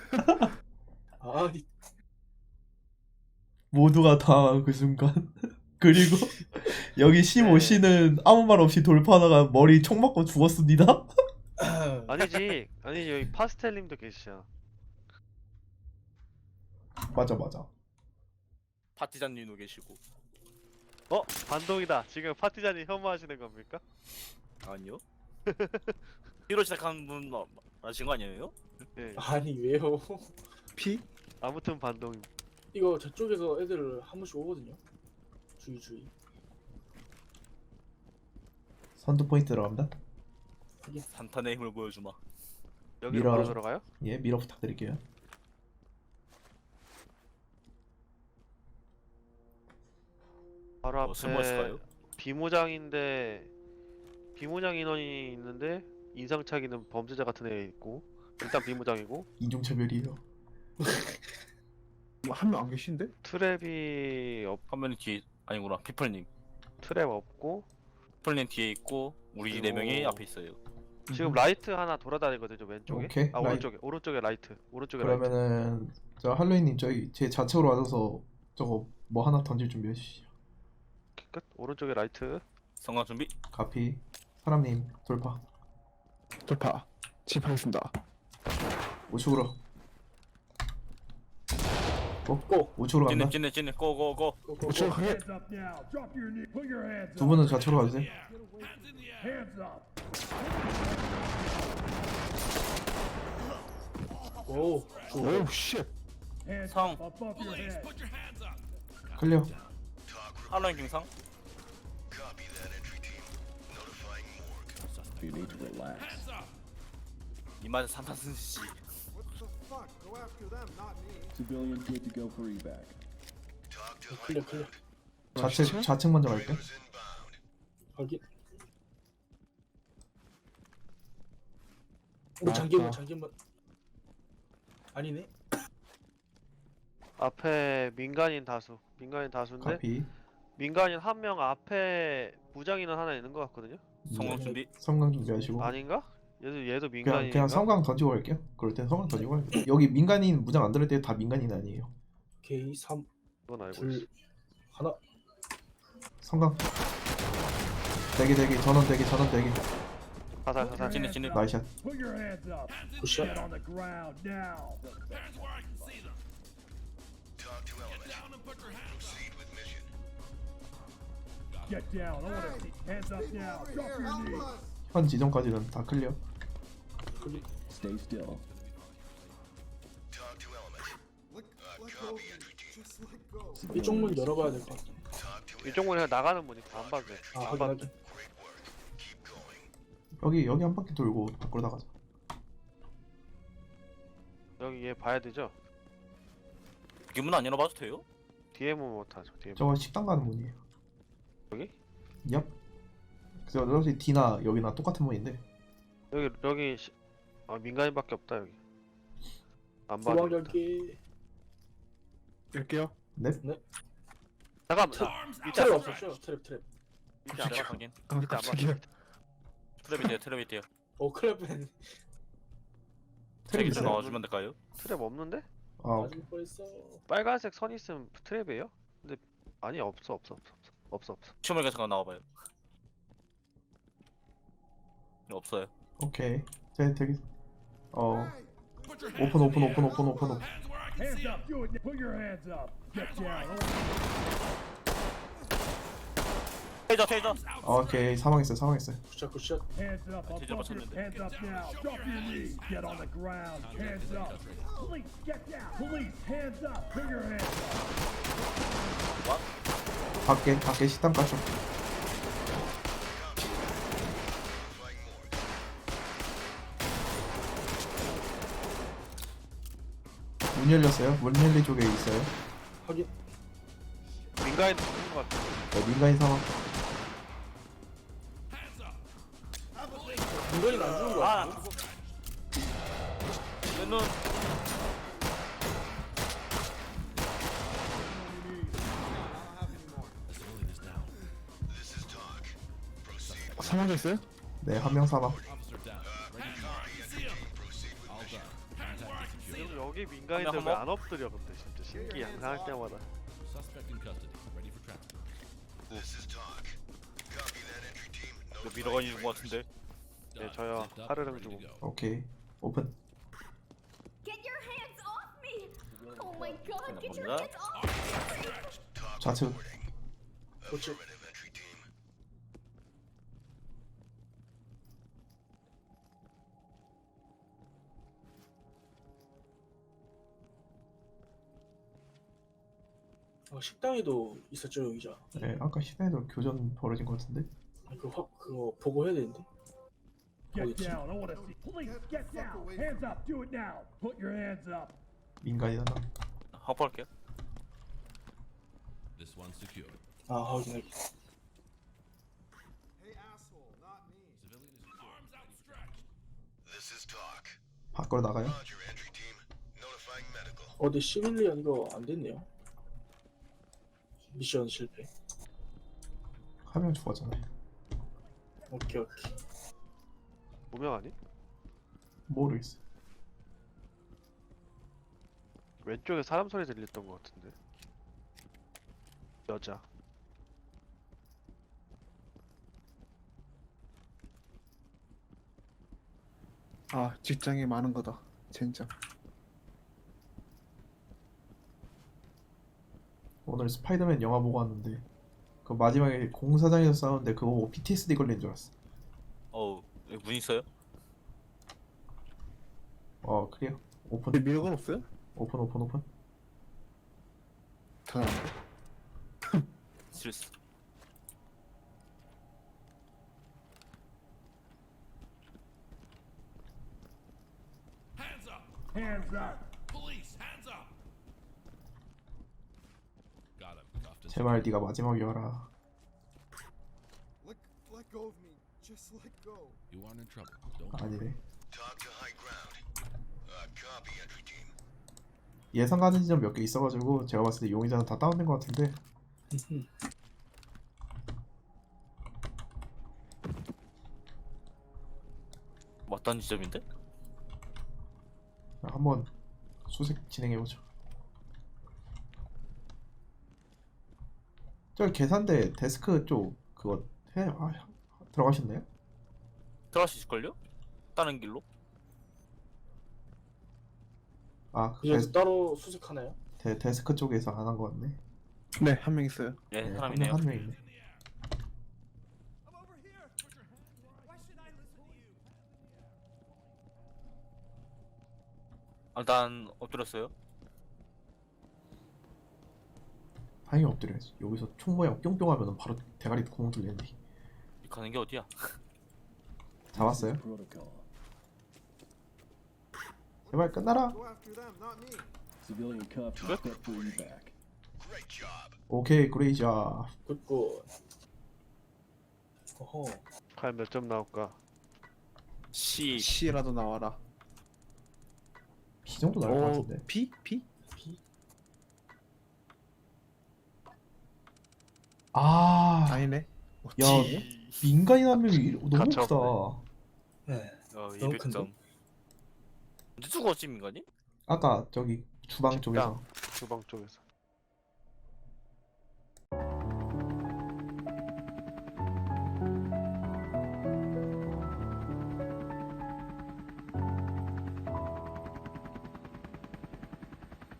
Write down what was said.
아, 모두가 다 그 순간. 그리고 여기 15씨는 아무 말 없이 돌파하다가 머리 총 맞고 죽었습니다. 아니지 여기 파스텔님도 계시잖아. 맞아 맞아. 파티장님도 계시고. 반동이다. 지금 파티자님 혐오하시는 겁니까? 아니요. P로 시작하는 분 아신 거 아니에요? 네. 아니 왜요? 피? 아무튼 반동임. 이거 저쪽에서 애들 한 번씩 오거든요. 주의. 선두 포인트 들어갑니다. 산탄의 힘을 보여주마. 여기로 밀어. 바로 들어가요? 예, 미러 부탁드릴게요. 바로 숨어 앞에 있을까요? 비무장인데 비무장 인원이 있는데 인상착의는 범죄자 같은 애 있고 일단 비무장이고 이중차별이에요. 한 명 안 계신데? 트랩이 화면이 뒤에 아니구나. 피플님. 트랩 없고 피플님 뒤에 있고 우리 네 명이 앞에 있어요. 지금 라이트 하나 돌아다니거든요 왼쪽에. 오케이, 아 라이트. 오른쪽에 라이트. 오른쪽에 라이트. 그러면은 저 할로윈님 저희 제 좌측으로 와서 저거 뭐 하나 던질 준비해 주시죠. 끝. 오른쪽에 라이트. 성광 준비. 카피. 사람님 돌파. 돌파. 진입하겠습니다. 우측으로. 고. 우측으로 간다. 찐네 고고고. 우측 가게. 두 분은 좌측으로 가주세요. 오. 오우 쉣. 성. 클리어. 할로윈 김상. 이마저 산탄 쓴씨. Civilians good to go for evac. 클리어. 좌측 먼저 갈게. 확인. 뭐 맞다. 잠깐만. 아니네. 앞에 민간인 다수인데 카피. 민간인 한 명 앞에 무장 인원 하나 있는 것 같거든요. 성광 준비. 성광 준비하시고. 아닌가? 얘도 그냥 민간인인가? 성광 던지고 갈게요. 그럴 땐 성광 던지고 갈게요. 여기 민간인 무장 안 들을 때 다 민간인 아니에요. 오케이 3, 그건 알고 2, 있어. 하나. 성광. 대기 전원 대기. 사살. 찐네. 나이샷. 굿샷. 현 지점까지는 다 클리어. Stay still. 이쪽 문 열어봐야 될 것 같아. 이쪽 문에 나가는 문이니까 안 봐도 돼. 아 안 봐도 확인하기. 돼. 여기 한 바퀴 돌고 밖으로 나가자. 여기 얘 봐야 되죠? 기문 안 열어봐도 돼요? 뒤에 문 못하죠. 뒤에 문. 저거 식당 가는 문이에요. 여기? 얍. 그래서 역시 D나 여기나 똑같은 문인데. 여기 민간인밖에 없다 여기. 안 봐. 소방 열기. 열게요. 넵. 잠깐만. 밑에 트랩 안 없었죠? 트랩. 밑에 안 봐. 확인. 아, 밑에 안 깜짝이야. 트랩이 돼요. 오 클랩은 트랩 트랩 있어요? 나와주면 될까요? 트랩 없는데? 아, 맞을 뻔했어. 빨간색 선 있으면 트랩이에요? 근데 아니 없어. 춤을 계속 나와봐요. 없어요. 오케이. 제 되게 오픈. 테이저. 오케이. 사망했어요. 굿샷. 테이저 맞췄는데. 밖에 식당 가죠. 문 열렸어요. 문 열린 쪽에 있어요. 확인. 민간인 죽은 것 같아. 민간인 사망. 민간인 안 죽은 거 아. 같아. 내 눈. 사망자 있어요? 네, 한 명 사망. 여기 여기 민간인들 한 왜 명, 안 엎드려 근데 진짜 신기해 항상 할 때마다. 이거 밀어가지는 것 같은데. 네 저요 하르릉 주고. 오케이 오픈. Get your hands off me! Oh my god, get your 뭔가? hands off me! 좌측. 그렇지. 식당에도 있었죠 여기자. 네 아까 시내에도 교전 벌어진 것 같은데. 그거 보고 해야 되는데. Get 어딨지? down. I want to see. Police, get down. Hands up. Do it now. Put your hands up. 민간인 하나. 확보할게요. 아 확인하기. 밖으로 나가요. 어디 시빌리언 이거 안 됐네요. 미션 실패. 한 명 죽었잖아요. 오케이. 무명 아니? 모르겠어. 왼쪽에 사람 소리 들렸던 것 같은데. 여자. 아 직장이 많은 거다 젠장. 오늘 스파이더맨 영화 보고 왔는데 그 마지막에 공사장에서 싸우는데 그거 보고 PTSD 걸린 줄 알았어. 어우, 여기 문 있어요? 그래요? 오픈 근데 밀건 없어요? 오픈. 다 스트레스. Hands up. 제발 네가 마지막이어라. Let go of me. Just let go. 아니네. 예상 가는 지점 몇 개 있어가지고 제가 봤을 때 용의자는 다 다운된 것 같은데. 맞다는 지점인데? 한번 수색 진행해보죠. 저 계산대 데스크 쪽 그거 들어가셨나요? 들어갈 수 있을걸요? 다른 길로? 그래서 따로 수색하나요? 데스크 쪽에서 안 한 것 같네. 네, 한 명 있어요. 예, 네, 사람이네요. 한 명 있네. 일단 엎드렸어요. 다행히 엎드려야지. 여기서 총 모양 뿅뿅하면 바로 대가리 구멍 뚫리는데. 가는 게 어디야? 잡았어요? Protocol. 제발 끝나라. Go after them, not me. Civilian cuffed and set for evac. 오케이 그레이자. 굿굿. 어허. 과연 몇 점 나올까? C라도 나와라. B 정도 나올 것 같은데. P? P? 아니네. 야 민간인 한 명이 너무 가차 크다. 네. 너무 200점. 언제 죽었지 민간이? 아까 저기 주방 쪽에서 주방 쪽에서.